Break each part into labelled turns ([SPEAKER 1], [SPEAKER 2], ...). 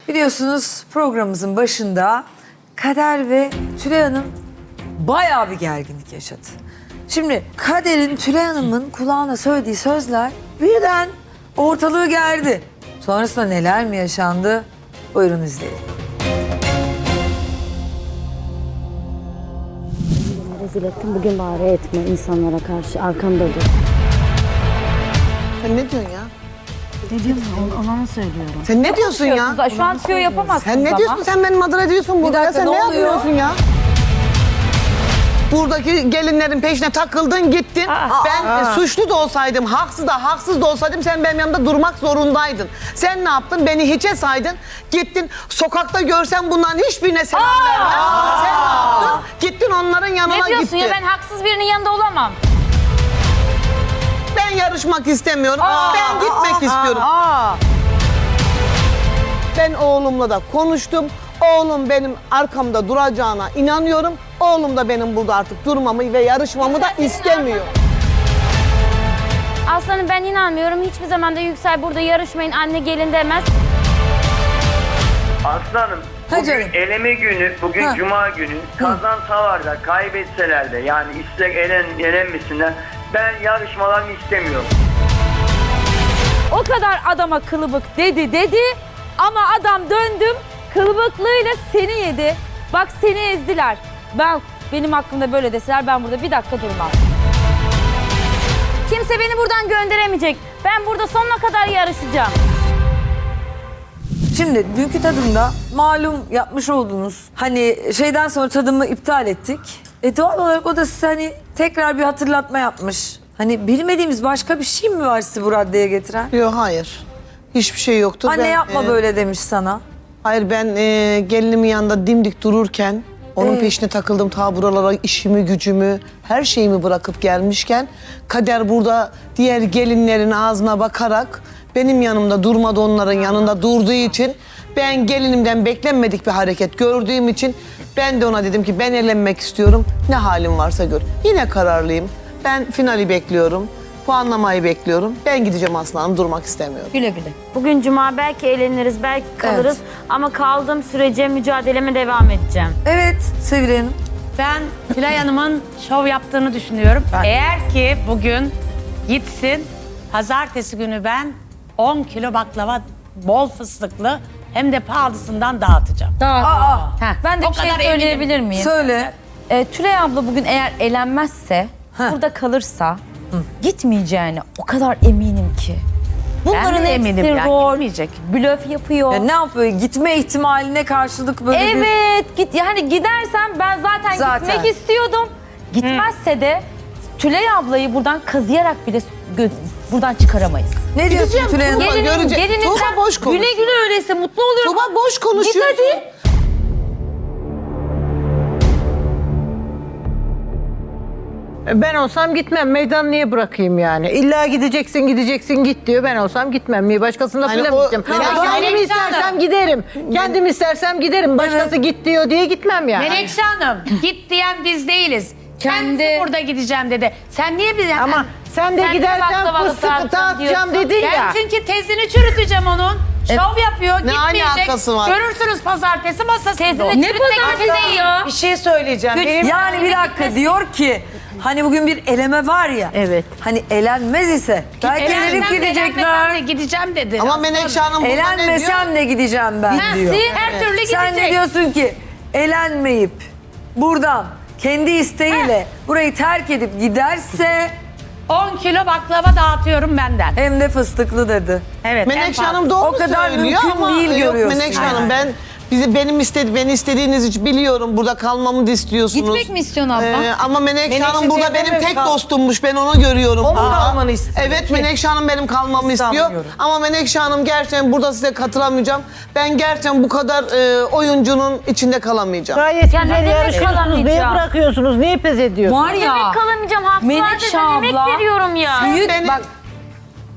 [SPEAKER 1] Biliyorsunuz programımızın başında Kader ve Tülay Hanım bayağı bir gerginlik yaşadı. Şimdi Kader'in Tülay Hanım'ın kulağına söylediği sözler birden ortalığı gerdi. Sonrasında neler mi yaşandı? Buyurun izleyelim.
[SPEAKER 2] Rezil ettim, bugün bari etme insanlara karşı, arkamda dur.
[SPEAKER 3] Sen ne diyorsun ya?
[SPEAKER 2] Ne diyorum ona mı söylüyorum?
[SPEAKER 3] Sen ne diyorsun ya?
[SPEAKER 4] Şu an tüyo yapamazsınız
[SPEAKER 3] Sen ne diyorsun? Sen beni mağdur ediyorsun burada.
[SPEAKER 1] dakika,
[SPEAKER 3] Sen
[SPEAKER 1] ne
[SPEAKER 3] ne
[SPEAKER 1] oluyor?
[SPEAKER 3] yapıyorsun ya? Buradaki gelinlerin peşine takıldın gittin. Ben suçlu da olsaydım, haksız da olsaydım sen benim yanımda durmak zorundaydın. Sen ne yaptın? Beni hiçe saydın. Gittin sokakta görsen bunların hiçbirine selam vermem. Sen ne yaptın? Gittin onların yanına
[SPEAKER 4] Ne diyorsun
[SPEAKER 3] gittin.
[SPEAKER 4] ya, ben haksız birinin yanında olamam.
[SPEAKER 3] Ben yarışmak istemiyorum. Ben gitmek istiyorum. Ben oğlumla da konuştum. Oğlum benim arkamda duracağına inanıyorum. Oğlum da benim burada artık durmamı ve yarışmamı da istemiyor.
[SPEAKER 4] Aslanım, ben inanmıyorum. Hiçbir zaman da Yüksel burada yarışmayın, anne gelin demez.
[SPEAKER 5] Aslanım,
[SPEAKER 1] Ha
[SPEAKER 5] bugün
[SPEAKER 1] canım.
[SPEAKER 5] eleme günü, bugün
[SPEAKER 1] Ha.
[SPEAKER 5] cuma günü, kazansalar da kaybetseler de yani ister elenmesinler, ben yarışmalarını istemiyorum.
[SPEAKER 4] O kadar adama kılıbık dedi ama adam döndüm kılıbıklığıyla seni yedi. Bak, seni ezdiler. Benim hakkımda böyle deseler ben burada bir dakika durmam. Kimse beni buradan gönderemeyecek. Ben burada sonuna kadar yarışacağım.
[SPEAKER 1] Şimdi dünkü tadımda malum yapmış oldunuz. Hani şeyden sonra tadımı iptal ettik. Doğal olarak o da size hani tekrar bir hatırlatma yapmış. Hani bilmediğimiz başka bir şey mi var sizi bu raddeye getiren?
[SPEAKER 3] Yok hayır. Hiçbir şey yoktur.
[SPEAKER 1] Anne
[SPEAKER 3] Ben,
[SPEAKER 1] yapma böyle demiş sana.
[SPEAKER 3] Hayır ben gelinimin yanında dimdik dururken onun peşine takıldım ta buralara işimi gücümü her şeyimi bırakıp gelmişken Kader burada diğer gelinlerin ağzına bakarak benim yanımda durmadı, onların yanında durduğu için ben gelinimden beklenmedik bir hareket gördüğüm için ben de ona dedim ki ben elenmek istiyorum, ne halim varsa gör. Yine kararlıyım, ben finali bekliyorum, puanlamayı bekliyorum, ben gideceğim aslanım, durmak istemiyorum.
[SPEAKER 4] Güle güle. Bugün cuma, belki eğleniriz, belki kalırız. Ama kaldığım sürece mücadeleme devam edeceğim.
[SPEAKER 1] Evet Sevilay Hanım.
[SPEAKER 6] Ben Tülay Hanım'ın şov yaptığını düşünüyorum. Eğer ki bugün gitsin, pazartesi günü ben 10 kilo baklava bol fıstıklı hem de pahalısından dağıtacağım. Heh,
[SPEAKER 4] Ben de
[SPEAKER 6] o
[SPEAKER 4] bir şey
[SPEAKER 6] kadar
[SPEAKER 4] söyleyebilir
[SPEAKER 6] eminim.
[SPEAKER 4] miyim?
[SPEAKER 1] Söyle.
[SPEAKER 4] Tülay abla bugün eğer elenmezse, burada kalırsa gitmeyeceğine o kadar eminim ki. Bunların
[SPEAKER 6] Ben de
[SPEAKER 4] hepsi
[SPEAKER 6] eminim yani,
[SPEAKER 4] rol,
[SPEAKER 6] gitmeyecek.
[SPEAKER 4] blöf yapıyor.
[SPEAKER 1] Ne yapıyor? Gitme ihtimaline karşılık böyle bir...
[SPEAKER 4] Evet, yani gidersen ben zaten gitmek istiyordum. Gitmezse de Tülay ablayı buradan kazıyarak bile buradan çıkaramayız.
[SPEAKER 1] Ne diyorsun
[SPEAKER 3] Gideceğim,
[SPEAKER 1] Tülay Hanım?
[SPEAKER 3] Tuğba. Görecek. Tuğba boş konuşuyor.
[SPEAKER 4] güle güle öyleyse mutlu oluyorum.
[SPEAKER 3] Tuğba boş konuşuyor.
[SPEAKER 4] Git hadi.
[SPEAKER 7] Ben olsam gitmem. Meydan niye bırakayım yani? İlla gideceksin git diyor. Ben olsam gitmem. Niye? Başkasını
[SPEAKER 3] Hani
[SPEAKER 7] lafıyla mı
[SPEAKER 3] o-
[SPEAKER 7] gideceğim?
[SPEAKER 3] Ya
[SPEAKER 7] Kendim
[SPEAKER 6] Melekşe
[SPEAKER 7] istersem
[SPEAKER 6] Hanım.
[SPEAKER 7] giderim. Kendim istersem giderim. Başkası git diyor diye gitmem yani.
[SPEAKER 6] Menekşe Hanım, git diyen biz değiliz. Kendisi
[SPEAKER 4] Kendi-
[SPEAKER 6] burada gideceğim dedi. Sen niye bize...
[SPEAKER 7] Ama sen de
[SPEAKER 4] Sen de
[SPEAKER 7] gidersen
[SPEAKER 4] baklavalı
[SPEAKER 7] fıstık
[SPEAKER 4] dağıtacağım
[SPEAKER 7] dağıtacağım
[SPEAKER 4] diyorsun.
[SPEAKER 7] dedin
[SPEAKER 6] Ben
[SPEAKER 7] ya.
[SPEAKER 6] çünkü tezini çürüteceğim onun. Şov yapıyor,
[SPEAKER 3] Ne
[SPEAKER 6] gitmeyecek.
[SPEAKER 3] alakası var?
[SPEAKER 6] Görürsünüz pazartesi masasında.
[SPEAKER 4] Tezini çürütmek değil ya.
[SPEAKER 8] Bir şey söyleyeceğim. Benim
[SPEAKER 1] Yani bir dakika diyor ki hani bugün bir eleme var ya.
[SPEAKER 7] Evet.
[SPEAKER 1] Hani elenmez ise belki elenip
[SPEAKER 6] Elenmesem de
[SPEAKER 1] gidecekler.
[SPEAKER 6] gideceğim dedi.
[SPEAKER 3] Ama
[SPEAKER 6] Aslanım.
[SPEAKER 3] Menekşe Hanım burada ne diyor?
[SPEAKER 1] Elenmesem de gideceğim ben diyor.
[SPEAKER 6] Her türlü gidecek.
[SPEAKER 1] Sen de diyorsun ki elenmeyip buradan kendi isteğiyle burayı terk edip giderse
[SPEAKER 6] 10 kilo baklava dağıtıyorum benden.
[SPEAKER 1] hem de fıstıklı dedi.
[SPEAKER 6] Evet.
[SPEAKER 3] Menekşe
[SPEAKER 6] en
[SPEAKER 3] Hanım doğru
[SPEAKER 1] O kadar
[SPEAKER 3] söylüyor
[SPEAKER 1] mümkün
[SPEAKER 3] ama
[SPEAKER 1] değil
[SPEAKER 3] yok
[SPEAKER 1] görüyorsun
[SPEAKER 3] Menekşe
[SPEAKER 1] yani.
[SPEAKER 3] Hanım beni istediğiniz için biliyorum, burada kalmamı da istiyorsunuz.
[SPEAKER 4] Gitmek mi istiyorsun abla?
[SPEAKER 3] Ama Menekşe Hanım
[SPEAKER 8] Menekşe
[SPEAKER 3] burada
[SPEAKER 8] teyze
[SPEAKER 3] benim
[SPEAKER 8] mi
[SPEAKER 3] tek
[SPEAKER 8] kal-
[SPEAKER 3] dostummuş, ben onu görüyorum.
[SPEAKER 8] O mu
[SPEAKER 3] burada.
[SPEAKER 8] kalmanı istiyor?
[SPEAKER 3] Evet, Menekşe Hanım benim kalmamı istiyor.
[SPEAKER 8] Sanmıyorum.
[SPEAKER 3] Ama Menekşe Hanım gerçekten burada size katılamayacağım. Ben gerçekten bu kadar oyuncunun içinde kalamayacağım.
[SPEAKER 7] Gayet
[SPEAKER 4] Ya ne
[SPEAKER 7] güzel
[SPEAKER 4] demek
[SPEAKER 7] yarışıyorsunuz. Niye
[SPEAKER 4] kalamayacağım?
[SPEAKER 7] bırakıyorsunuz? Niye pes ediyorsunuz?
[SPEAKER 4] Var ya. Demek kalamayacağım, haklılar
[SPEAKER 1] Menekşe
[SPEAKER 4] ben emek
[SPEAKER 1] abla,
[SPEAKER 4] veriyorum ya.
[SPEAKER 1] Büyük
[SPEAKER 3] Beni-
[SPEAKER 1] bak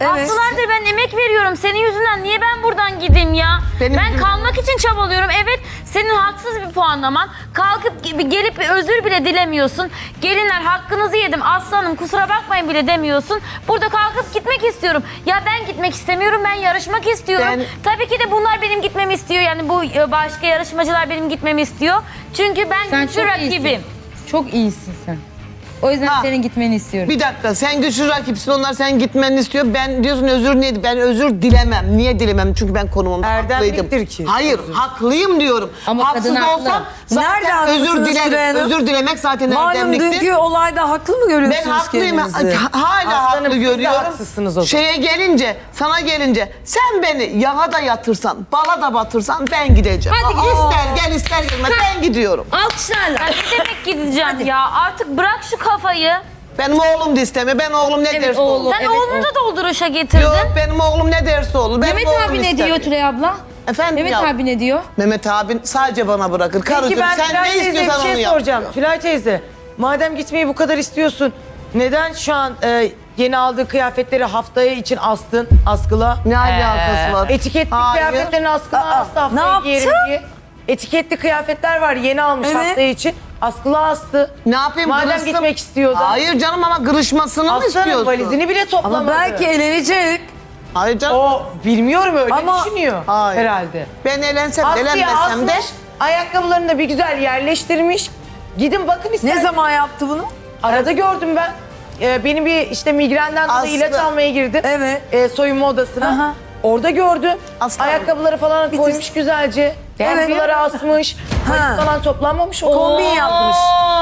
[SPEAKER 1] Evet.
[SPEAKER 8] Haftalardır ben emek veriyorum. Senin yüzünden niye ben buradan gideyim ya?
[SPEAKER 3] Benim
[SPEAKER 8] ben
[SPEAKER 3] yüzümden-
[SPEAKER 8] kalmak için çabalıyorum. Evet, senin haksız bir puanlaman. Kalkıp gelip bir özür bile dilemiyorsun. Gelinler hakkınızı yedim aslanım kusura bakmayın bile demiyorsun. Burada kalkıp gitmek istiyorum. Ya ben gitmek istemiyorum. Ben yarışmak istiyorum. Tabii ki de bunlar benim gitmemi istiyor. Yani bu başka yarışmacılar benim gitmemi istiyor. Çünkü ben
[SPEAKER 4] Sen
[SPEAKER 8] güçlü
[SPEAKER 4] çok
[SPEAKER 8] rakibim.
[SPEAKER 4] iyisin. Çok iyisin sen. O yüzden
[SPEAKER 3] Ha.
[SPEAKER 4] senin gitmeni istiyorum.
[SPEAKER 3] Bir dakika sen güçlü rakipsin onlar sen gitmeni istiyor. Ben diyorsun özür neydi? Ben özür dilemem. Niye dilemem? Çünkü ben konumumda
[SPEAKER 7] Erdemliktir
[SPEAKER 3] haklıydım.
[SPEAKER 7] ki.
[SPEAKER 3] Hayır haklıyım diyorum.
[SPEAKER 4] Ama
[SPEAKER 3] Haksız
[SPEAKER 4] kadın haklı.
[SPEAKER 3] olsam
[SPEAKER 1] Nerede
[SPEAKER 3] zaten
[SPEAKER 1] haklısınız
[SPEAKER 3] özür
[SPEAKER 1] Tülay
[SPEAKER 3] dilerim.
[SPEAKER 1] Hanım?
[SPEAKER 3] Özür dilemek zaten
[SPEAKER 1] Malum
[SPEAKER 3] erdemliktir.
[SPEAKER 1] dünkü olayda haklı mı
[SPEAKER 3] Ben
[SPEAKER 1] görüyorsunuz
[SPEAKER 3] haklıyım.
[SPEAKER 1] kendinizi?
[SPEAKER 3] Hala
[SPEAKER 7] Aslanım,
[SPEAKER 3] haklı
[SPEAKER 7] siz de
[SPEAKER 3] görüyorum.
[SPEAKER 7] haksızsınız o zaman.
[SPEAKER 3] Şeye gelince, sana gelince sen beni yağa da yatırsan, bala da batırsan ben gideceğim.
[SPEAKER 4] Hadi git.
[SPEAKER 3] İster gel ister gelme ben gidiyorum.
[SPEAKER 4] Alkışlarla.
[SPEAKER 8] Ya ne demek gideceğim ya? Artık bırak şu kafayı.
[SPEAKER 3] Benim oğlum da istemiyor. Ben oğlum ne derse
[SPEAKER 4] oğlum.
[SPEAKER 3] olur.
[SPEAKER 8] Sen
[SPEAKER 4] Evet,
[SPEAKER 8] oğlunu da dolduruşa getirdin.
[SPEAKER 3] Yok benim oğlum ne derse olur. Benim
[SPEAKER 4] Mehmet
[SPEAKER 3] oğlum
[SPEAKER 4] abi ne
[SPEAKER 3] istemiyor.
[SPEAKER 4] diyor Tülay abla?
[SPEAKER 3] Efendim
[SPEAKER 4] Mehmet
[SPEAKER 3] ya.
[SPEAKER 4] abi ne diyor?
[SPEAKER 3] Mehmet abin sadece bana bırakır.
[SPEAKER 7] Peki
[SPEAKER 3] Karıcığım
[SPEAKER 7] ben
[SPEAKER 3] sen
[SPEAKER 7] Tülay
[SPEAKER 3] ne
[SPEAKER 7] teyze
[SPEAKER 3] istiyorsan
[SPEAKER 7] bir
[SPEAKER 3] onu
[SPEAKER 7] şey
[SPEAKER 3] yap.
[SPEAKER 7] soracağım. Tülay teyze, madem gitmeyi bu kadar istiyorsun, neden şu an yeni aldığı kıyafetleri haftaya için astın askıla?
[SPEAKER 3] Ne alakası var?
[SPEAKER 7] Etiketli
[SPEAKER 3] Hayır.
[SPEAKER 7] kıyafetlerin askıla astı
[SPEAKER 1] ne
[SPEAKER 7] haftaya
[SPEAKER 1] yaptı?
[SPEAKER 7] giyerim diye. Etiketli kıyafetler var yeni almış
[SPEAKER 1] Evet.
[SPEAKER 7] haftaya için. Askıla astı.
[SPEAKER 3] Ne yapayım
[SPEAKER 7] Madem
[SPEAKER 3] kırışsın?
[SPEAKER 7] gitmek istiyordu.
[SPEAKER 3] Hayır canım ama kırışmasını mı
[SPEAKER 7] Aslanın
[SPEAKER 3] istiyorsun?
[SPEAKER 7] valizini bile toplamadı.
[SPEAKER 1] Ama belki eğlenecek.
[SPEAKER 3] Hayır canım.
[SPEAKER 7] O bilmiyorum öyle
[SPEAKER 1] Ama-
[SPEAKER 7] düşünüyor
[SPEAKER 3] Hayır.
[SPEAKER 7] herhalde.
[SPEAKER 3] Ben eğlensem de
[SPEAKER 7] Askıya
[SPEAKER 3] eğlenmesem de.
[SPEAKER 7] asmış, ayakkabılarını da bir güzel yerleştirmiş. Gidin bakın ister.
[SPEAKER 1] Ne zaman yaptı bunu?
[SPEAKER 7] Arada gördüm ben. Benim bir işte migrenden dolayı
[SPEAKER 3] Aslı.
[SPEAKER 7] ilaç almaya girdim.
[SPEAKER 1] Evet.
[SPEAKER 7] Soyunma odasına.
[SPEAKER 1] Aha.
[SPEAKER 7] Orada gördüm.
[SPEAKER 3] Aslı.
[SPEAKER 7] Ayakkabıları falan koymuş güzelce.
[SPEAKER 1] Evet.
[SPEAKER 7] Askıları asmış. Valiz falan toplanmamış. O
[SPEAKER 1] Kombin yapmış.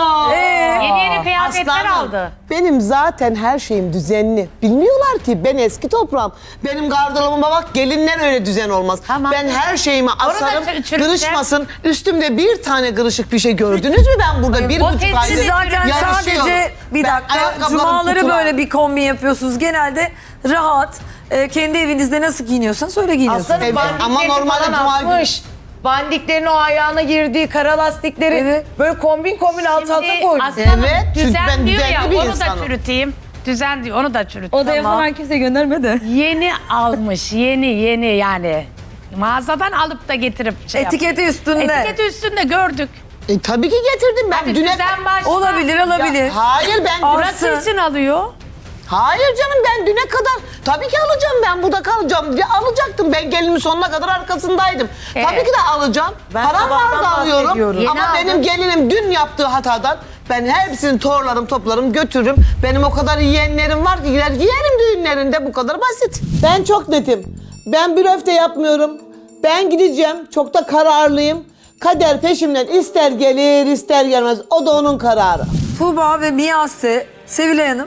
[SPEAKER 6] Yeni yeni kıyafetler
[SPEAKER 3] Aslanım,
[SPEAKER 6] aldı.
[SPEAKER 3] benim zaten her şeyim düzenli. Bilmiyorlar ki ben eski toprağım. Benim gardırobuma bak gelinler öyle düzen olmaz.
[SPEAKER 6] Tamam.
[SPEAKER 3] Ben her şeyimi asarım,
[SPEAKER 6] çürüteceğim.
[SPEAKER 3] kırışmasın. Üstümde bir tane kırışık bir şey gördünüz mü ben burada? Bir buçuk
[SPEAKER 6] hepsini
[SPEAKER 3] aydır
[SPEAKER 1] Siz zaten
[SPEAKER 3] yarışıyorum.
[SPEAKER 1] sadece bir
[SPEAKER 3] Ben
[SPEAKER 1] dakika
[SPEAKER 3] ayakkabılarım
[SPEAKER 1] cumaları
[SPEAKER 3] kutular.
[SPEAKER 1] böyle bir kombin yapıyorsunuz. Genelde rahat kendi evinizde nasıl giyiniyorsanız öyle giyiniyorsunuz.
[SPEAKER 7] Aslanın
[SPEAKER 3] Evet, ama
[SPEAKER 7] bandiklerini
[SPEAKER 3] normalde
[SPEAKER 7] falan
[SPEAKER 3] cuma günü-
[SPEAKER 7] asmış. Bandiklerin o ayağına girdiği kara lastikleri
[SPEAKER 1] Evet.
[SPEAKER 7] böyle kombin alt alta koymuş.
[SPEAKER 6] Aslanım
[SPEAKER 3] Evet, çünkü
[SPEAKER 6] düzen
[SPEAKER 3] ben
[SPEAKER 6] diyor
[SPEAKER 3] düzenli
[SPEAKER 6] ya
[SPEAKER 3] bir
[SPEAKER 6] onu
[SPEAKER 3] insanım.
[SPEAKER 6] da çürüteyim. Düzen diyor onu da çürüteyim.
[SPEAKER 4] Odaya falan kimse gönderme de.
[SPEAKER 6] Yeni almış yeni yani. Mağazadan alıp da getirip şey
[SPEAKER 1] Etiketi üstünde.
[SPEAKER 6] Etiketi üstünde gördük.
[SPEAKER 3] Tabii ki getirdim ben.
[SPEAKER 6] Hadi
[SPEAKER 3] Düne...
[SPEAKER 6] düzen başla.
[SPEAKER 1] Olabilir olabilir.
[SPEAKER 3] Ya, hayır ben
[SPEAKER 1] Alsın.
[SPEAKER 6] Burası için alıyor.
[SPEAKER 3] Hayır canım ben düne kadar tabii ki alacağım ben burada kalacağım. Ya, alacaktım ben gelinimin sonuna kadar arkasındaydım. Tabii ki de alacağım.
[SPEAKER 7] Ben
[SPEAKER 3] Param
[SPEAKER 7] sabahtan
[SPEAKER 3] var da alıyorum.
[SPEAKER 7] bahsediyorum.
[SPEAKER 3] Ama
[SPEAKER 6] Yeni
[SPEAKER 3] benim
[SPEAKER 6] aldım.
[SPEAKER 3] gelinim dün yaptığı hatadan ben hepsini torlarım toplarım götürürüm. Benim o kadar yeğenlerim var ki gider giyerim düğünlerinde bu kadar basit. Ben çok netim. Ben blöf de yapmıyorum. Ben gideceğim çok da kararlıyım. Kader peşimden ister gelir ister gelmez o da onun kararı.
[SPEAKER 1] Tuğba ve Miyase, Sevilay Hanım,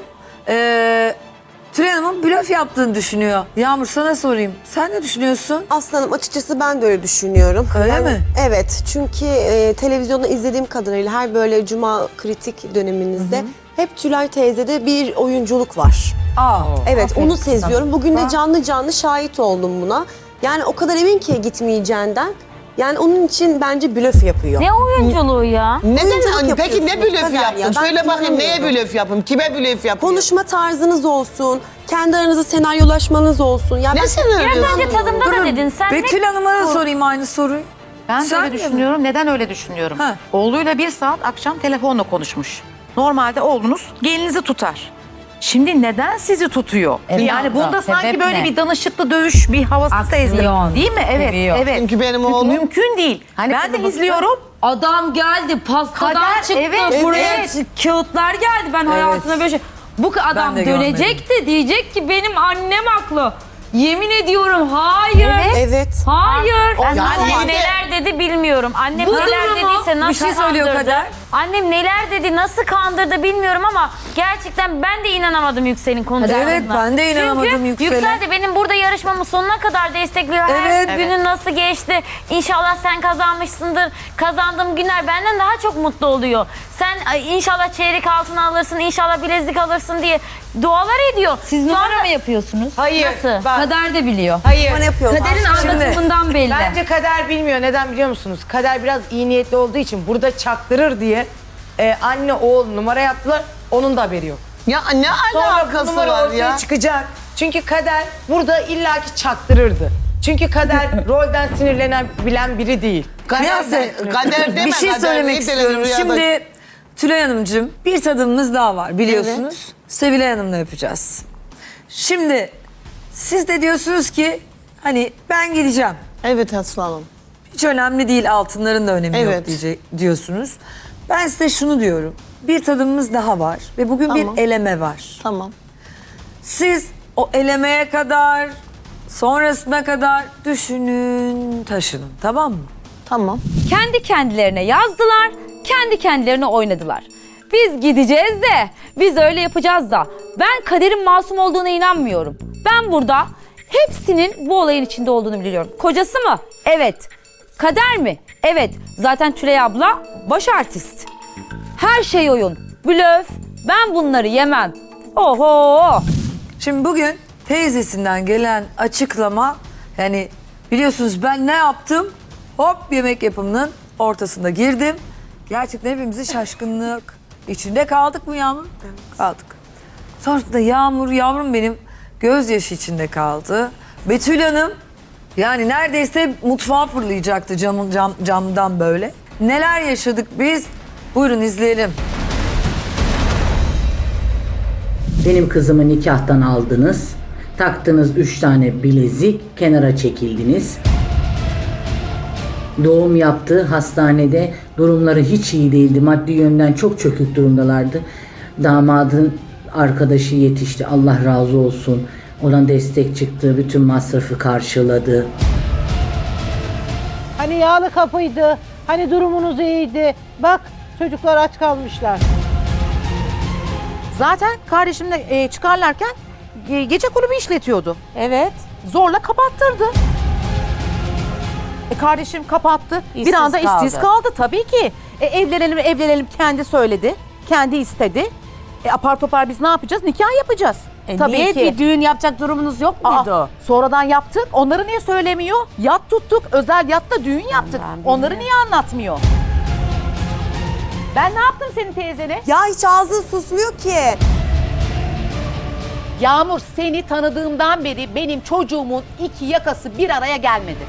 [SPEAKER 1] Tülay Hanım'ın blöf yaptığını düşünüyor. Yağmur sana sorayım. Sen ne düşünüyorsun?
[SPEAKER 9] Aslanım açıkçası ben de öyle düşünüyorum.
[SPEAKER 1] Öyle mi?
[SPEAKER 9] Evet çünkü televizyonda izlediğim kadarıyla her böyle cuma kritik döneminizde hep Tülay teyzede bir oyunculuk var.
[SPEAKER 1] Aa.
[SPEAKER 9] Evet
[SPEAKER 1] aferin
[SPEAKER 9] onu seziyorum.
[SPEAKER 1] sana.
[SPEAKER 9] Bugün de canlı canlı şahit oldum buna. Yani o kadar emin ki gitmeyeceğinden. Yani onun için bence blöf yapıyor.
[SPEAKER 8] Ne oyunculuğu ya?
[SPEAKER 3] Neden?
[SPEAKER 9] Oyunculuk
[SPEAKER 3] Peki ne
[SPEAKER 9] yapıyorsunuz
[SPEAKER 3] blöf
[SPEAKER 9] Kader ya,
[SPEAKER 3] yaptın?
[SPEAKER 9] ben
[SPEAKER 3] Söyle bakayım neye
[SPEAKER 9] inanamıyorum.
[SPEAKER 3] blöf yapayım? Kime blöf yapayım?
[SPEAKER 9] Konuşma tarzınız olsun, kendi aranızda senaryolaşmanız olsun. Ya
[SPEAKER 3] Ne
[SPEAKER 9] ben-
[SPEAKER 3] sen
[SPEAKER 8] Biraz
[SPEAKER 3] öyle
[SPEAKER 8] önce tadımda da dedin. Sen ne
[SPEAKER 1] Betül Hanım'a da sorayım aynı soruyu.
[SPEAKER 10] Ben de
[SPEAKER 1] Sen
[SPEAKER 10] öyle
[SPEAKER 1] mi?
[SPEAKER 10] düşünüyorum. Neden öyle düşünüyorum?
[SPEAKER 1] Ha.
[SPEAKER 10] Oğluyla 1 saat akşam telefonla konuşmuş. Normalde oğlunuz gelinizi tutar. Şimdi neden sizi tutuyor? Yani bunda sanki
[SPEAKER 4] sebep
[SPEAKER 10] böyle
[SPEAKER 4] ne?
[SPEAKER 10] bir danışıklı dövüş, bir havası sezdim. Değil mi? Evet,
[SPEAKER 4] Seviyor.
[SPEAKER 10] evet.
[SPEAKER 3] Çünkü benim oğlum-
[SPEAKER 10] Mümkün değil. Ben de izliyorum.
[SPEAKER 4] Adam geldi pastadan
[SPEAKER 10] Kader,
[SPEAKER 4] çıktı
[SPEAKER 10] evet,
[SPEAKER 4] buraya
[SPEAKER 10] evet.
[SPEAKER 4] Kağıtlar geldi ben hayatımda böyle şey. Bu adam
[SPEAKER 1] de
[SPEAKER 4] dönecek de diyecek ki benim annem haklı. Yemin ediyorum hayır.
[SPEAKER 9] Evet.
[SPEAKER 4] Hayır.
[SPEAKER 8] Ben
[SPEAKER 3] Yani
[SPEAKER 8] annem
[SPEAKER 3] anne-
[SPEAKER 8] neler dedi bilmiyorum. Annem
[SPEAKER 4] Bu
[SPEAKER 8] neler
[SPEAKER 4] durumu
[SPEAKER 8] dediyse nasıl
[SPEAKER 1] bir şey söylüyor
[SPEAKER 8] kandırdı.
[SPEAKER 1] Kader.
[SPEAKER 8] Annem neler dedi nasıl kandırdı bilmiyorum ama gerçekten ben de inanamadım Yüksel'in konuşmalarına.
[SPEAKER 1] Evet, ben de inanamadım
[SPEAKER 8] Çünkü
[SPEAKER 1] Yüksel'e.
[SPEAKER 8] Yüksel de benim burada yarışmamı sonuna kadar destekliyor.
[SPEAKER 1] Evet.
[SPEAKER 8] Her günün nasıl geçti? İnşallah sen kazanmışsındır. Kazandığım günler benden daha çok mutlu oluyor. Sen inşallah çeyrek altın alırsın, inşallah bilezik alırsın diye dualar ediyor.
[SPEAKER 4] Siz
[SPEAKER 8] Şu
[SPEAKER 4] numara
[SPEAKER 8] anda-
[SPEAKER 4] mı yapıyorsunuz?
[SPEAKER 7] Hayır.
[SPEAKER 8] Nasıl?
[SPEAKER 7] Bak,
[SPEAKER 4] Kader de biliyor.
[SPEAKER 7] hayır.
[SPEAKER 9] Bana yapıyorlar.
[SPEAKER 4] Kaderin
[SPEAKER 1] Şimdi-
[SPEAKER 4] anlatımından belli.
[SPEAKER 7] Bence Kader bilmiyor. Neden biliyor musunuz? Kader biraz iyi niyetli olduğu için burada çaktırır diye anne oğul numara yaptılar. Onun da haberi yok.
[SPEAKER 3] Ya ne
[SPEAKER 7] Sonra bu
[SPEAKER 3] alakası
[SPEAKER 7] numara
[SPEAKER 3] var
[SPEAKER 7] ortaya
[SPEAKER 3] ya?
[SPEAKER 7] çıkacak.
[SPEAKER 3] Çünkü Kader burada illaki çaktırırdı. Çünkü Kader rolden sinirlenebilen biri değil.
[SPEAKER 1] Neyse,
[SPEAKER 3] Kader deme.
[SPEAKER 1] bir şey
[SPEAKER 3] Kader
[SPEAKER 1] söylemek
[SPEAKER 3] değil,
[SPEAKER 1] istiyorum.
[SPEAKER 3] rüyada-
[SPEAKER 1] Şimdi Tülay Hanımcığım bir tadımımız daha var biliyorsunuz. Sevilay Hanım'la yapacağız. Şimdi siz de diyorsunuz ki hani ben gideceğim.
[SPEAKER 3] Evet aslanım.
[SPEAKER 1] Hiç önemli değil, altınların da önemi yok
[SPEAKER 3] Evet.
[SPEAKER 1] diyorsunuz. Ben size şunu diyorum. Bir tadımımız daha var ve bugün
[SPEAKER 3] Tamam.
[SPEAKER 1] bir eleme var.
[SPEAKER 3] Tamam.
[SPEAKER 1] Siz o elemeye kadar, sonrasına kadar düşünün, taşının, tamam mı?
[SPEAKER 3] Tamam.
[SPEAKER 4] Kendi kendilerine yazdılar, kendi kendilerine oynadılar. Biz gideceğiz de, biz öyle yapacağız da. Ben Kader'in masum olduğuna inanmıyorum. Ben burada hepsinin bu olayın içinde olduğunu biliyorum. Kocası mı? Evet. Kader mi? Evet. Zaten Tülay abla baş artist. Her şey oyun, blöf. Ben bunları yemem. Oho!
[SPEAKER 1] Şimdi bugün teyzesinden gelen açıklama, yani biliyorsunuz ben ne yaptım? Hop, yemek yapımının ortasında girdim. Gerçekten hepimizi şaşkınlık içinde kaldık mı Yağmur? Kaldık. Sonrasında yavrum benim gözyaşı içinde kaldı. Betül Hanım yani neredeyse mutfağa fırlayacaktı camdan böyle. Neler yaşadık biz? Buyurun izleyelim.
[SPEAKER 11] Benim kızımı nikahtan aldınız. Taktınız 3 tane bilezik, kenara çekildiniz. Doğum yaptı hastanede. Durumları hiç iyi değildi. Maddi yönden çok çökük durumdalardı. Damadın arkadaşı yetişti. Allah razı olsun. Oradan destek çıktı. Bütün masrafı karşıladı.
[SPEAKER 7] Hani yağlı kapıydı, hani durumunuz iyiydi. Bak çocuklar aç kalmışlar.
[SPEAKER 10] Zaten kardeşimle çıkarlarken gece kulübü işletiyordu.
[SPEAKER 4] Evet.
[SPEAKER 10] Zorla kapattırdı. Kardeşim kapattı. Bir
[SPEAKER 4] İşsiz
[SPEAKER 10] anda işsiz
[SPEAKER 4] kaldı.
[SPEAKER 10] kaldı tabii ki. Evlenelim kendi söyledi. Kendi istedi. Apar topar biz ne yapacağız? Nikah yapacağız. Tabii
[SPEAKER 4] niye
[SPEAKER 10] ki.
[SPEAKER 4] bir düğün yapacak durumunuz yok
[SPEAKER 10] Aa,
[SPEAKER 4] muydu?
[SPEAKER 10] sonradan yaptık. Onları niye söylemiyor? Yat tuttuk. Özel yatta düğün yaptık. Onları niye anlatmıyor? Ben ne yaptım senin teyzene?
[SPEAKER 9] Ya hiç ağzın susmuyor ki.
[SPEAKER 10] Yağmur, seni tanıdığımdan beri benim çocuğumun iki yakası bir araya gelmedi.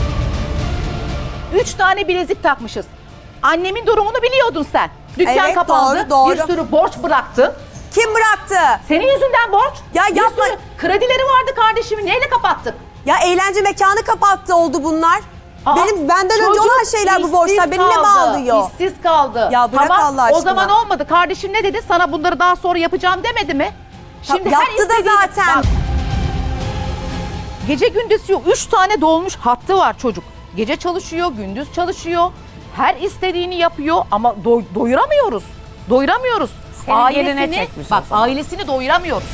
[SPEAKER 10] 3 tane bilezik takmışız. Annemin durumunu biliyordun sen. Dükkan
[SPEAKER 9] Evet,
[SPEAKER 10] kapandı.
[SPEAKER 9] doğru.
[SPEAKER 10] Bir sürü borç bıraktın.
[SPEAKER 9] Kim bıraktı?
[SPEAKER 10] Senin yüzünden borç.
[SPEAKER 9] Ya
[SPEAKER 10] Bir
[SPEAKER 9] yapma.
[SPEAKER 10] sürü kredileri vardı kardeşimin. Neyle kapattık?
[SPEAKER 9] Ya eğlence mekanı kapattı oldu bunlar.
[SPEAKER 10] Aa,
[SPEAKER 9] Benden önce
[SPEAKER 10] çocuk
[SPEAKER 9] olan şeyler bu borçlar.
[SPEAKER 10] işsiz
[SPEAKER 9] Beni ne
[SPEAKER 10] kaldı,
[SPEAKER 9] bağlıyor?
[SPEAKER 10] İşsiz kaldı.
[SPEAKER 9] Ya bırak
[SPEAKER 10] tamam,
[SPEAKER 9] Allah aşkına.
[SPEAKER 10] O zaman olmadı. Kardeşim ne dedi? Sana bunları daha sonra yapacağım demedi mi?
[SPEAKER 9] Yaptı da
[SPEAKER 10] istediğini-
[SPEAKER 9] zaten.
[SPEAKER 10] Bak, gece gündüz yok. 3 tane dolmuş hattı var çocuk. Gece çalışıyor, gündüz çalışıyor. Her istediğini yapıyor ama doyuramıyoruz. Doyuramıyoruz.
[SPEAKER 4] Senin geline çekmiş
[SPEAKER 10] Bak
[SPEAKER 4] o zaman.
[SPEAKER 10] ailesini doyuramıyoruz.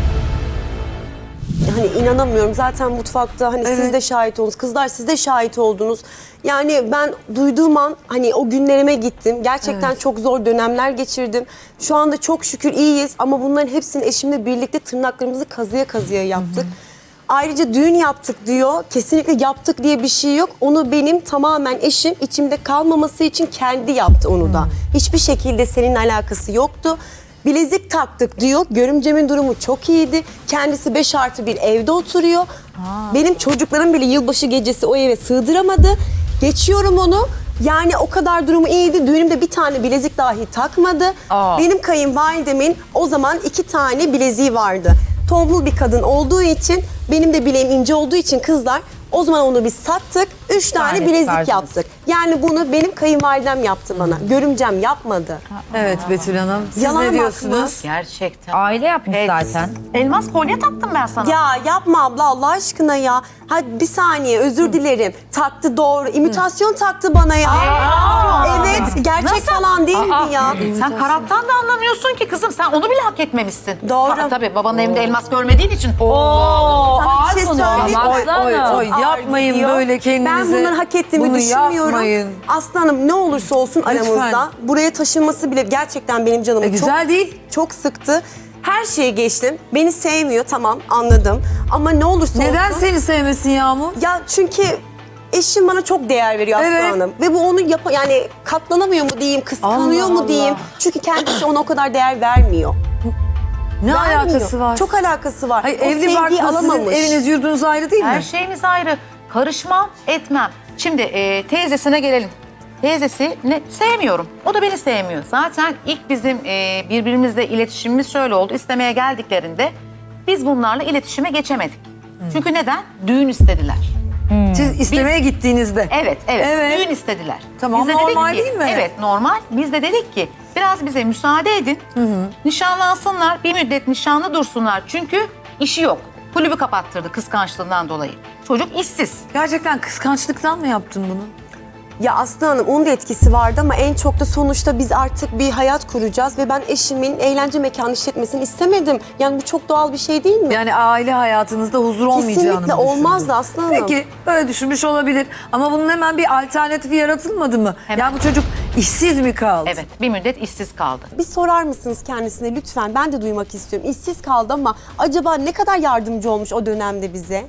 [SPEAKER 9] Hani inanamıyorum zaten mutfakta hani siz de şahit oldunuz. Kızlar siz de şahit oldunuz. Yani ben duyduğum an hani o günlerime gittim. Gerçekten çok zor dönemler geçirdim. Şu anda çok şükür iyiyiz ama bunların hepsini eşimle birlikte tırnaklarımızı kazıya kazıya yaptık. Ayrıca düğün yaptık diyor. Kesinlikle yaptık diye bir şey yok. Onu benim tamamen eşim içimde kalmaması için kendi yaptı onu da. Hiçbir şekilde seninle alakası yoktu. Bilezik taktık diyor. Görümcemin durumu çok iyiydi. Kendisi 5+1 evde oturuyor. Benim çocuklarım bile yılbaşı gecesi o eve sığdıramadı. Geçiyorum onu. Yani o kadar durumu iyiydi. Düğünümde bir tane bilezik dahi takmadı. Benim kayınvalidemin o zaman 2 tane bileziği vardı. Tombul bir kadın olduğu için, benim de bileğim ince olduğu için kızlar o zaman onu biz sattık. 3 tane bilezik yaptık. Yani bunu benim kayınvalidem yaptı bana. Görümcem yapmadı.
[SPEAKER 1] Evet Betül Hanım, siz
[SPEAKER 9] Yalan
[SPEAKER 1] ne
[SPEAKER 9] mı
[SPEAKER 1] diyorsunuz?
[SPEAKER 10] Gerçekten.
[SPEAKER 4] Aile yapmış zaten.
[SPEAKER 10] Elmas kolye taktım ben sana.
[SPEAKER 9] Ya yapma abla Allah aşkına ya. Hadi bir saniye özür dilerim. Taktı doğru. İmitasyon taktı bana ya. Evet gerçek falan değil mi ya?
[SPEAKER 10] Sen karattan da anlamıyorsun ki kızım. Sen onu bile hak etmemişsin.
[SPEAKER 9] Doğru.
[SPEAKER 10] Tabii babanın evinde elmas görmediğin için.
[SPEAKER 9] Sana bir şey söyleyeyim.
[SPEAKER 1] Oy, yapmayın
[SPEAKER 9] Gidiyor.
[SPEAKER 1] böyle kendinize.
[SPEAKER 9] Ben bunları hak ettiğimi
[SPEAKER 1] Bunu
[SPEAKER 9] düşünmüyorum.
[SPEAKER 1] yapmayın.
[SPEAKER 9] Aslanım ne olursa olsun aramızda. Buraya taşınması bile gerçekten benim canımı
[SPEAKER 1] Güzel değil.
[SPEAKER 9] çok sıktı. Her şeyi geçtim. Beni sevmiyor tamam anladım. Ama ne olursa
[SPEAKER 1] Neden
[SPEAKER 9] olsun.
[SPEAKER 1] seni sevmesin Yağmur?
[SPEAKER 9] Ya çünkü eşim bana çok değer veriyor Aslı
[SPEAKER 1] Evet.
[SPEAKER 9] Hanım. Ve bu onu yani katlanamıyor mu diyeyim, kıskanıyor
[SPEAKER 1] Allah
[SPEAKER 9] mu diyeyim.
[SPEAKER 1] Allah.
[SPEAKER 9] Çünkü kendisi ona o kadar değer vermiyor.
[SPEAKER 1] Ne
[SPEAKER 9] Vermiyor.
[SPEAKER 1] alakası var?
[SPEAKER 9] Çok alakası var.
[SPEAKER 1] Hayır,
[SPEAKER 9] O
[SPEAKER 1] evli
[SPEAKER 9] sevgiyi
[SPEAKER 1] barklı sizin
[SPEAKER 9] alamamış.
[SPEAKER 1] eviniz yurdunuz ayrı değil mi?
[SPEAKER 10] Her şeyimiz ayrı. Karışmam, etmem. Şimdi teyzesine gelelim. Teyzesini sevmiyorum. O da beni sevmiyor. Zaten ilk bizim birbirimizle iletişimimiz şöyle oldu. İstemeye geldiklerinde biz bunlarla iletişime geçemedik. Çünkü neden? Düğün istediler.
[SPEAKER 1] Siz istemeye gittiğinizde.
[SPEAKER 10] Evet, evet,
[SPEAKER 1] Evet.
[SPEAKER 10] Düğün istediler.
[SPEAKER 1] Tamam,
[SPEAKER 10] Biz de dedik
[SPEAKER 1] normal
[SPEAKER 10] ki-
[SPEAKER 1] değil mi?
[SPEAKER 10] Evet, normal. Biz de dedik ki biraz bize müsaade edin. Nişanlansınlar, bir müddet nişanlı dursunlar. Çünkü işi yok. Kulübü kapattırdı kıskançlığından dolayı. Çocuk işsiz.
[SPEAKER 1] Gerçekten kıskançlıktan mı yaptın bunu?
[SPEAKER 9] Ya Aslı Hanım onun da etkisi vardı ama en çok da sonuçta biz artık bir hayat kuracağız ve ben eşimin eğlence mekanı işletmesini istemedim. Yani bu çok doğal bir şey değil mi?
[SPEAKER 1] Yani aile hayatınızda huzur olmayacağını mı
[SPEAKER 9] Kesinlikle olmazdı
[SPEAKER 1] düşündün?
[SPEAKER 9] Aslı Hanım.
[SPEAKER 1] Peki böyle düşünmüş olabilir ama bunun hemen bir alternatifi yaratılmadı mı?
[SPEAKER 10] Hemen.
[SPEAKER 1] Ya bu çocuk işsiz mi kaldı?
[SPEAKER 10] Evet, bir müddet işsiz kaldı.
[SPEAKER 9] Bir sorar mısınız kendisine lütfen? Ben de duymak istiyorum. İşsiz kaldı ama acaba ne kadar yardımcı olmuş o dönemde bize?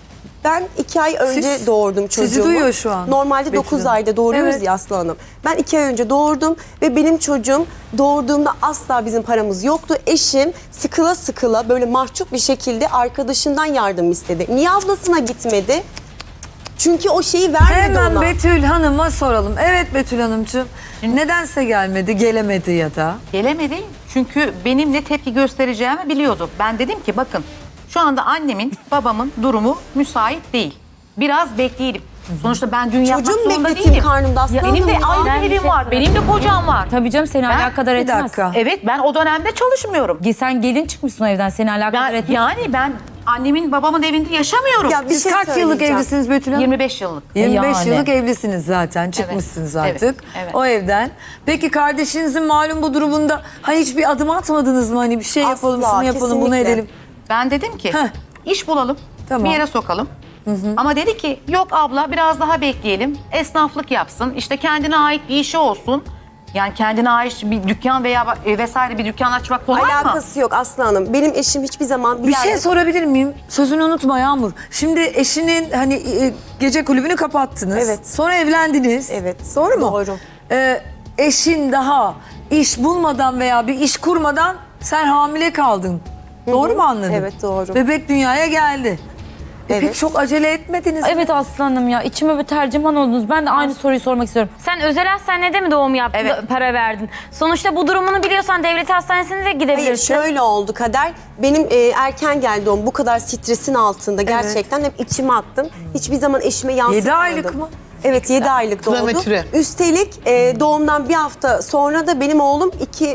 [SPEAKER 9] Ben 2 ay önce
[SPEAKER 1] Siz-
[SPEAKER 9] doğurdum çocuğumu.
[SPEAKER 1] sizi duyuyor şu an
[SPEAKER 9] Normalde
[SPEAKER 1] Betül
[SPEAKER 9] 9
[SPEAKER 1] Hanım.
[SPEAKER 9] ayda doğuruyoruz
[SPEAKER 1] Evet.
[SPEAKER 9] ya Aslı Hanım. Ben 2 ay önce doğurdum ve benim çocuğum doğurduğumda asla bizim paramız yoktu. Eşim sıkıla sıkıla böyle mahcup bir şekilde arkadaşından yardım istedi. Niye ablasına gitmedi? Çünkü o şeyi vermedi
[SPEAKER 1] Hemen
[SPEAKER 9] ona.
[SPEAKER 1] Betül Hanım'a soralım. Evet Betül Hanımcığım. Nedense gelmedi, gelemedi ya da.
[SPEAKER 10] Gelemedi çünkü benim ne tepki göstereceğimi biliyordu. Ben dedim ki bakın şu anda annemin, babamın durumu müsait değil. Biraz bekleyelim. Sonuçta ben düğün yapmak
[SPEAKER 9] Çocuğum
[SPEAKER 10] zorunda
[SPEAKER 9] bekleteyim
[SPEAKER 10] değilim.
[SPEAKER 9] karnımda Aslı
[SPEAKER 10] Benim de
[SPEAKER 9] Hanım ya.
[SPEAKER 10] ayrı evim var, benim de kocam var.
[SPEAKER 4] Tabii canım seni
[SPEAKER 10] Ben-
[SPEAKER 4] alakadar
[SPEAKER 1] Bir
[SPEAKER 4] etmez.
[SPEAKER 1] dakika.
[SPEAKER 10] Evet ben o dönemde çalışmıyorum.
[SPEAKER 4] Sen gelin çıkmışsın o evden seni alakadar etmez.
[SPEAKER 10] Yani ben annemin babamın evinde yaşamıyorum.
[SPEAKER 9] Ya bir
[SPEAKER 1] Siz
[SPEAKER 9] şey
[SPEAKER 1] kaç yıllık
[SPEAKER 9] söyleyeceğim.
[SPEAKER 1] evlisiniz Betül Hanım?
[SPEAKER 10] 25 yıllık.
[SPEAKER 1] 25
[SPEAKER 4] Yani.
[SPEAKER 1] yıllık evlisiniz zaten. Çıkmışsınız
[SPEAKER 10] evet,
[SPEAKER 1] artık
[SPEAKER 10] evet.
[SPEAKER 1] o evden. Peki kardeşinizin malum bu durumunda hani hiçbir adım atmadınız mı? Hani bir şey yapalım,
[SPEAKER 9] Asla,
[SPEAKER 1] şunu yapalım, bunu
[SPEAKER 9] kesinlikle.
[SPEAKER 1] edelim.
[SPEAKER 10] Ben dedim ki
[SPEAKER 1] Heh.
[SPEAKER 10] iş bulalım,
[SPEAKER 1] Tamam.
[SPEAKER 10] bir yere sokalım. Ama dedi ki yok abla biraz daha bekleyelim. Esnaflık yapsın, işte kendine ait bir işi olsun. Yani kendine ait bir dükkan veya vesaire bir dükkan açmak kolay mı?
[SPEAKER 9] Alakası yok Aslı Hanım. Benim eşim hiçbir zaman
[SPEAKER 1] Bir şey
[SPEAKER 9] yerde-
[SPEAKER 1] sorabilir miyim? Sözünü unutma Yağmur. Şimdi eşinin hani gece kulübünü kapattınız.
[SPEAKER 9] Evet.
[SPEAKER 1] Sonra evlendiniz.
[SPEAKER 9] Evet,
[SPEAKER 1] Doğru mu?
[SPEAKER 9] doğru.
[SPEAKER 1] Eşin daha iş bulmadan veya bir iş kurmadan sen hamile kaldın. Doğru mu anladım?
[SPEAKER 9] Evet, doğru.
[SPEAKER 1] Bebek dünyaya geldi.
[SPEAKER 9] Evet.
[SPEAKER 1] Peki çok acele etmediniz mi?
[SPEAKER 4] Evet aslanım ya içime bir tercüman oldunuz. Ben de aynı soruyu sormak istiyorum.
[SPEAKER 8] Sen özel hastanede mi doğum yaptın,
[SPEAKER 10] Evet.
[SPEAKER 8] para verdin? Sonuçta bu durumunu biliyorsan devlet hastanesine de
[SPEAKER 9] Hayır
[SPEAKER 8] gidebilirsin.
[SPEAKER 9] şöyle oldu Kader. Benim erken geldi doğum bu kadar stresin altında gerçekten hep içime attım. Hiçbir zaman eşime yansıtmadım.
[SPEAKER 1] 7 aylık mı?
[SPEAKER 9] Evet 7 aylık doğdu.
[SPEAKER 3] Prematüre.
[SPEAKER 9] Üstelik doğumdan bir hafta sonra da benim oğlum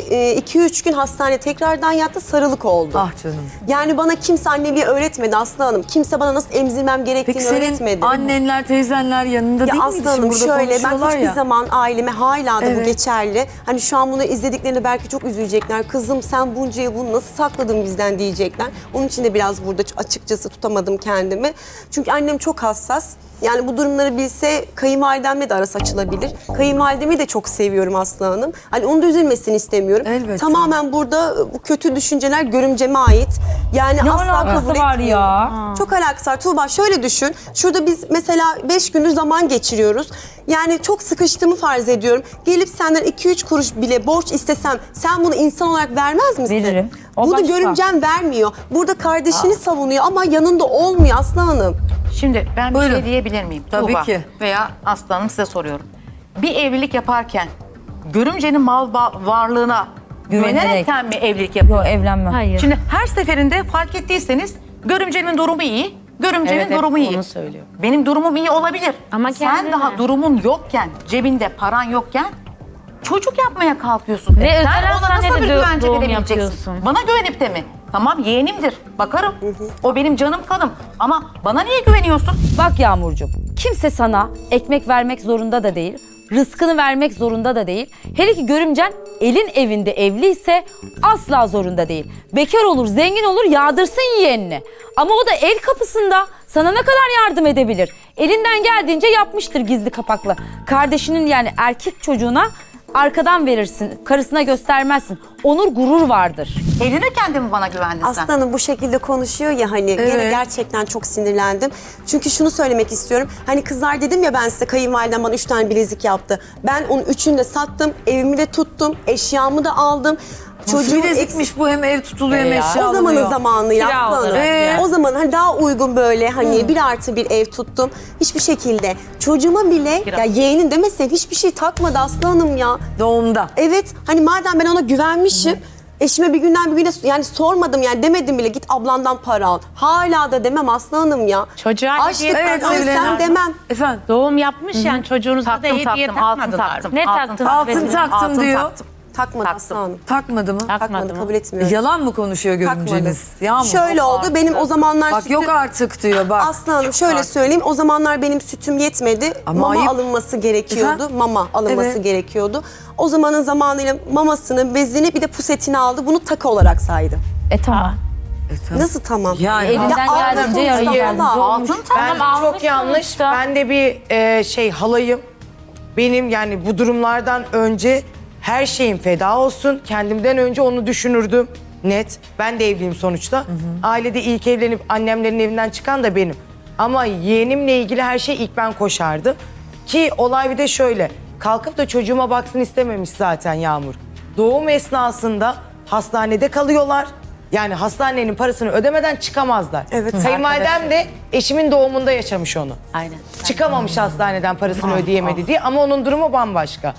[SPEAKER 9] 2-3 gün hastanede tekrardan yattı, sarılık oldu.
[SPEAKER 1] Ah canım.
[SPEAKER 9] Yani bana kimse anneliği öğretmedi Aslı Hanım. Kimse bana nasıl emzirmem gerektiğini
[SPEAKER 1] Peki senin
[SPEAKER 9] öğretmedi.
[SPEAKER 1] annenler, teyzenler yanında
[SPEAKER 9] Ya
[SPEAKER 1] değil miydi?
[SPEAKER 9] Aslı
[SPEAKER 1] Şimdi
[SPEAKER 9] Hanım
[SPEAKER 1] burada
[SPEAKER 9] şöyle ben
[SPEAKER 1] konuşuyorlar
[SPEAKER 9] hiçbir
[SPEAKER 1] ya.
[SPEAKER 9] zaman aileme hala da bu
[SPEAKER 1] Evet.
[SPEAKER 9] geçerli. Hani şu an bunu izlediklerinde belki çok üzülecekler. Kızım sen bunca yıl bunu nasıl sakladın bizden diyecekler. Onun için de biraz burada açıkçası tutamadım kendimi. Çünkü annem çok hassas. Yani bu durumları bilse kayınvalidemle de arası açılabilir. Kayınvalidemi de çok seviyorum Aslı Hanım. Hani onun da üzülmesini istemiyorum.
[SPEAKER 1] Elbette.
[SPEAKER 9] Tamamen burada bu kötü düşünceler görümceme ait. Yani
[SPEAKER 4] Ne
[SPEAKER 9] asla
[SPEAKER 4] alakası
[SPEAKER 9] kabul
[SPEAKER 4] var
[SPEAKER 9] etmiyorum.
[SPEAKER 4] ya?
[SPEAKER 9] Çok alakası var. Tuğba şöyle düşün. Şurada biz mesela 5 gündür zaman geçiriyoruz. Yani çok sıkıştığımı farz ediyorum. Gelip senden 2-3 kuruş bile borç istesem sen bunu insan olarak vermez misin?
[SPEAKER 4] Veririm. O
[SPEAKER 9] Bunu
[SPEAKER 4] başka.
[SPEAKER 9] görümcem vermiyor. Burada kardeşini savunuyor ama yanında olmuyor Aslı Hanım.
[SPEAKER 10] Şimdi ben bir
[SPEAKER 1] Buyurun.
[SPEAKER 10] şey diyebilir miyim?
[SPEAKER 1] Tabii
[SPEAKER 10] Tuğba
[SPEAKER 1] ki.
[SPEAKER 10] Veya Aslanım size soruyorum. Bir evlilik yaparken görümcenin mal varlığına güvenerekten mi evlilik yapıyor?
[SPEAKER 4] Yok evlenme.
[SPEAKER 8] Hayır.
[SPEAKER 10] Şimdi her seferinde fark ettiyseniz görümcenin durumu iyi, görümcenin
[SPEAKER 6] Evet, hep
[SPEAKER 10] durumu iyi.
[SPEAKER 6] onu söylüyor.
[SPEAKER 10] Benim durumum iyi olabilir.
[SPEAKER 8] Ama
[SPEAKER 10] sen
[SPEAKER 8] kendine.
[SPEAKER 10] daha durumun yokken, cebinde paran yokken çocuk yapmaya kalkıyorsun.
[SPEAKER 8] Ve özel
[SPEAKER 10] sen ona
[SPEAKER 8] hastanede
[SPEAKER 10] nasıl bir güvence
[SPEAKER 8] doğum
[SPEAKER 10] verebileceksin?
[SPEAKER 8] yapıyorsun.
[SPEAKER 10] Bana güvenip de mi? Tamam yeğenimdir, bakarım. O benim canım kanım. Ama bana niye güveniyorsun?
[SPEAKER 4] Bak Yağmurcuğum, kimse sana ekmek vermek zorunda da değil, rızkını vermek zorunda da değil. Hele ki görümcen elin evinde evliyse asla zorunda değil. Bekar olur, zengin olur, yağdırsın yeğenini. Ama o da el kapısında sana ne kadar yardım edebilir? Elinden geldiğince yapmıştır gizli kapaklı. Kardeşinin yani erkek çocuğuna arkadan verirsin, karısına göstermezsin. Onur, gurur vardır.
[SPEAKER 10] Evlenirken de mi bana güvendin sen?
[SPEAKER 9] Aslı Hanım bu şekilde konuşuyor ya hani gene gerçekten çok sinirlendim. Çünkü şunu söylemek istiyorum. Hani kızlar dedim ya ben size kayınvalidem bana 3 tane bilezik yaptı. Ben onun 3'ünü de sattım, evimi de tuttum, eşyamı da aldım.
[SPEAKER 1] Çocuğu bilezikmiş bu, hem ev tutuluyor hem eşya
[SPEAKER 9] O zamanın
[SPEAKER 1] alınıyor.
[SPEAKER 9] zamanıyla
[SPEAKER 4] Kira
[SPEAKER 9] Aslı Hanım.
[SPEAKER 4] olarak
[SPEAKER 1] yani.
[SPEAKER 9] O zaman hani daha uygun böyle hani 1+1 ev tuttum. Hiçbir şekilde çocuğuma bile ya yeğenin demesin hiçbir şey takmadı Aslı Hanım ya.
[SPEAKER 1] Doğumda.
[SPEAKER 9] Evet hani madem ben ona güvenmişim. Eşime bir günden bir güne yani sormadım yani demedim bile git ablandan para al. Hala da demem Aslı Hanım ya.
[SPEAKER 6] Çocuğa hediye
[SPEAKER 9] Açlıktan
[SPEAKER 1] Evet, Sevilay
[SPEAKER 9] ölsem
[SPEAKER 1] Hanım.
[SPEAKER 9] demem.
[SPEAKER 1] Efendim?
[SPEAKER 6] Doğum yapmış yani çocuğunuza da hediye
[SPEAKER 10] Taktım, altın
[SPEAKER 6] takmadılar.
[SPEAKER 10] taktım.
[SPEAKER 8] Ne
[SPEAKER 10] Altın
[SPEAKER 8] taktın?
[SPEAKER 1] Altın taktım
[SPEAKER 10] Altın
[SPEAKER 1] diyor.
[SPEAKER 10] taktım.
[SPEAKER 9] Takmadı
[SPEAKER 10] Taktım.
[SPEAKER 9] Aslı Hanım.
[SPEAKER 1] Takmadı mı?
[SPEAKER 9] Takmadı
[SPEAKER 6] mı?
[SPEAKER 9] kabul etmiyorum.
[SPEAKER 1] Yalan mı konuşuyor
[SPEAKER 9] Takmadı.
[SPEAKER 1] görümceniz? Yağmur.
[SPEAKER 9] Şöyle oldu benim o zamanlar
[SPEAKER 1] Bak yok artık diyor bak.
[SPEAKER 9] Aslı Hanım şöyle söyleyeyim o zamanlar benim sütüm yetmedi.
[SPEAKER 1] Ama
[SPEAKER 9] mama
[SPEAKER 1] ayıp.
[SPEAKER 9] alınması gerekiyordu.
[SPEAKER 1] Efendim?
[SPEAKER 9] Mama alınması
[SPEAKER 1] Evet.
[SPEAKER 9] gerekiyordu. O zamanın zamanıyla mamasını, bezini bir de pusetini aldı. Bunu takı olarak saydı.
[SPEAKER 8] Tamam.
[SPEAKER 9] Nasıl tamam?
[SPEAKER 1] Yani
[SPEAKER 8] Elinden
[SPEAKER 9] Ya,
[SPEAKER 8] geldiğince
[SPEAKER 9] altın
[SPEAKER 8] yardım
[SPEAKER 9] sonuçta,
[SPEAKER 8] yardımcı
[SPEAKER 9] Allah.
[SPEAKER 8] olmuş.
[SPEAKER 12] Ben
[SPEAKER 8] Tamam,
[SPEAKER 12] çok yanlış.
[SPEAKER 8] sonuçta.
[SPEAKER 12] Ben de bir halayım. Benim yani bu durumlardan önce her şeyim feda olsun. Kendimden önce onu düşünürdüm. Net. Ben de evliyim sonuçta. Ailede ilk evlenip annemlerin evinden çıkan da benim. Ama yeğenimle ilgili her şey ilk ben koşardım. Ki olay bir de şöyle. Kalkıp da çocuğuma baksın istememiş zaten Yağmur. Doğum esnasında hastanede kalıyorlar. Yani hastanenin parasını ödemeden çıkamazlar.
[SPEAKER 9] Evet.
[SPEAKER 12] Kayınvalidem de eşimin doğumunda yaşamış onu.
[SPEAKER 10] Aynen.
[SPEAKER 12] Çıkamamış hastaneden parasını ödeyemedi diye ama onun durumu bambaşka.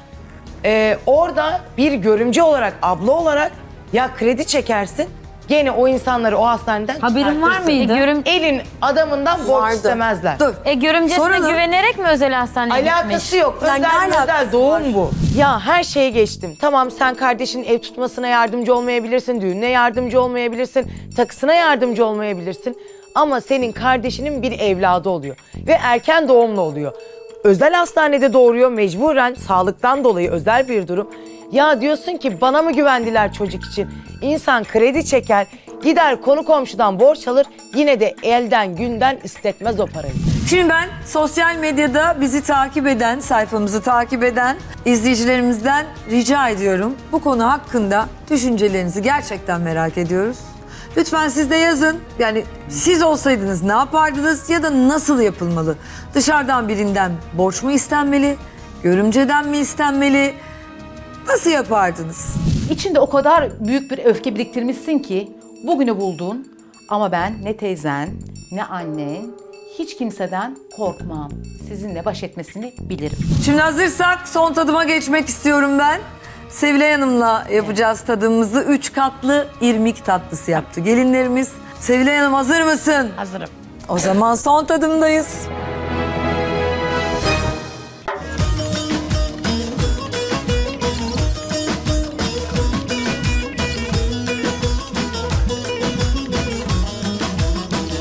[SPEAKER 12] Orada bir görümce olarak, abla olarak ya kredi çekersin gene o insanları o hastaneden
[SPEAKER 8] Haberin var
[SPEAKER 12] çıkartırsın.
[SPEAKER 8] mıydı?
[SPEAKER 12] Elin adamından borç
[SPEAKER 9] Vardı.
[SPEAKER 12] istemezler.
[SPEAKER 1] dur.
[SPEAKER 8] Görümcesine
[SPEAKER 1] Soralım.
[SPEAKER 8] güvenerek mi özel hastaneye gitmiş?
[SPEAKER 12] Alakası yok.
[SPEAKER 9] Yani ne
[SPEAKER 12] Özel
[SPEAKER 9] alakası
[SPEAKER 12] doğum
[SPEAKER 9] var?
[SPEAKER 12] bu. Ya her şeye geçtim. Tamam sen kardeşinin ev tutmasına yardımcı olmayabilirsin, düğününe yardımcı olmayabilirsin, takısına yardımcı olmayabilirsin. Ama senin kardeşinin bir evladı oluyor ve erken doğumlu oluyor. Özel hastanede doğuruyor mecburen sağlıktan dolayı özel bir durum. Ya diyorsun ki bana mı güvendiler çocuk için? İnsan kredi çeker, gider konu komşudan borç alır, yine de elden günden istetmez o parayı.
[SPEAKER 1] Şimdi ben sosyal medyada bizi takip eden, sayfamızı takip eden izleyicilerimizden rica ediyorum. Bu konu hakkında düşüncelerinizi gerçekten merak ediyoruz. Lütfen siz de yazın. Yani siz olsaydınız ne yapardınız ya da nasıl yapılmalı? Dışarıdan birinden borç mu istenmeli? Görümceden mi istenmeli? Nasıl yapardınız?
[SPEAKER 10] İçinde o kadar büyük bir öfke biriktirmişsin ki bugünü buldun. Ama ben ne teyzen, ne annen, hiç kimseden korkmam. Sizinle baş etmesini bilirim.
[SPEAKER 1] Şimdi hazırsak son tadıma geçmek istiyorum ben. Sevilay Hanım'la yapacağız tadımımızı. 3 katlı irmik tatlısı yaptı gelinlerimiz. Sevilay Hanım hazır mısın?
[SPEAKER 6] Hazırım.
[SPEAKER 1] O zaman son tadımdayız.